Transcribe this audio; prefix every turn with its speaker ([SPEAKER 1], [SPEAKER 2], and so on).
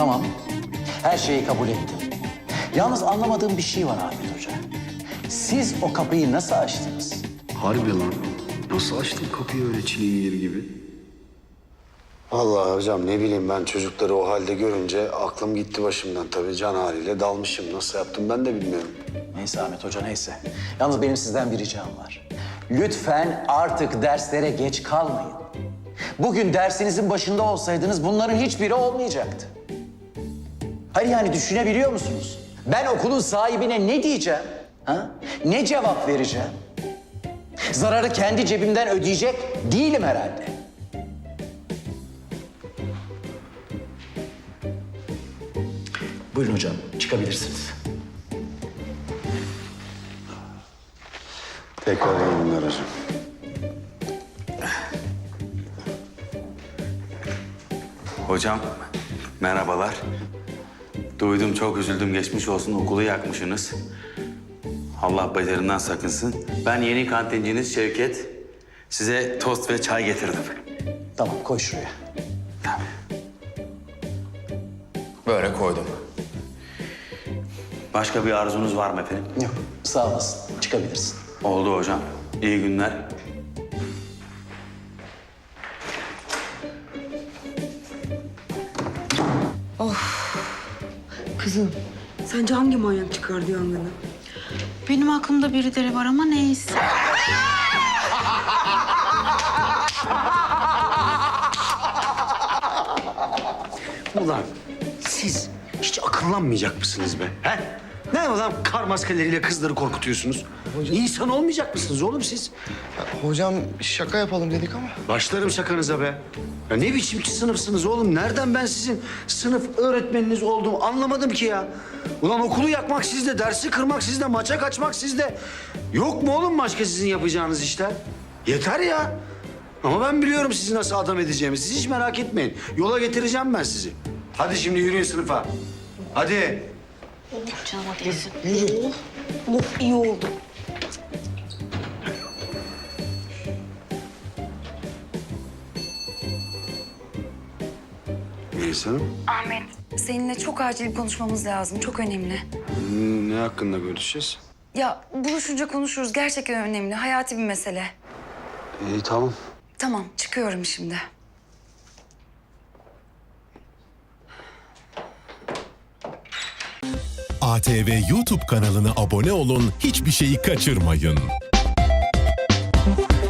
[SPEAKER 1] Tamam, her şeyi kabul ettim. Yalnız anlamadığım bir şey var Ahmet Hoca. Siz o kapıyı nasıl açtınız?
[SPEAKER 2] Harbi lan. Nasıl açtın kapıyı öyle çilingir gibi?
[SPEAKER 3] Vallahi hocam ne bileyim ben çocukları o halde görünce aklım gitti başımdan tabii. Can haliyle dalmışım. Nasıl yaptım ben de bilmiyorum.
[SPEAKER 1] Neyse Ahmet Hoca neyse. Yalnız benim sizden bir ricam var. Lütfen artık derslere geç kalmayın. Bugün dersinizin başında olsaydınız bunların hiçbiri olmayacaktı. Hayır yani düşünebiliyor musunuz? Ben okulun sahibine ne diyeceğim? Ha? Ne cevap vereceğim? Zararı kendi cebimden ödeyecek değilim herhalde. Buyurun hocam, çıkabilirsiniz.
[SPEAKER 3] Tekrar iyi günler hocam.
[SPEAKER 4] Hocam, merhabalar. Duydum, çok üzüldüm. Geçmiş olsun, okulu yakmışsınız. Allah beterinden sakınsın. Ben yeni kantinciniz Şevket. Size tost ve çay getirdim.
[SPEAKER 1] Tamam, koy şuraya.
[SPEAKER 4] Böyle koydum. Başka bir arzunuz var mı efendim?
[SPEAKER 1] Yok, sağ olasın. Çıkabilirsin.
[SPEAKER 4] Oldu hocam. İyi günler.
[SPEAKER 5] Kızım, sence hangi manyak çıkardı yangını?
[SPEAKER 6] Benim aklımda birileri var ama neyse.
[SPEAKER 2] Ulan siz hiç akıllanmayacak mısınız be? He? Ne ulan kar maskeleriyle kızları korkutuyorsunuz? İnsan olmayacak mısınız oğlum siz?
[SPEAKER 7] Hocam şaka yapalım dedik ama.
[SPEAKER 2] Başlarım şakanıza be. Ya ne biçim sınıfsınız oğlum? Nereden ben sizin sınıf öğretmeniniz olduğumu anlamadım ki ya. Ulan okulu yakmak sizde, dersi kırmak sizde, maça kaçmak sizde. Yok mu oğlum başka sizin yapacağınız işler? Yeter ya. Ama ben biliyorum sizi nasıl adam edeceğimi. Siz hiç merak etmeyin. Yola getireceğim ben sizi. Hadi şimdi yürüyün sınıfa. Hadi.
[SPEAKER 6] Canıma değsin.
[SPEAKER 5] İyi oldu.
[SPEAKER 2] Melis Hanım.
[SPEAKER 8] Ahmet, seninle çok acil bir konuşmamız lazım. Çok önemli.
[SPEAKER 2] Ne hakkında görüşeceğiz?
[SPEAKER 8] Ya buluşunca konuşuruz. Gerçekten önemli. Hayati bir mesele.
[SPEAKER 2] İyi tamam.
[SPEAKER 8] Tamam, çıkıyorum şimdi.
[SPEAKER 9] ATV YouTube kanalına abone olun, hiçbir şeyi kaçırmayın.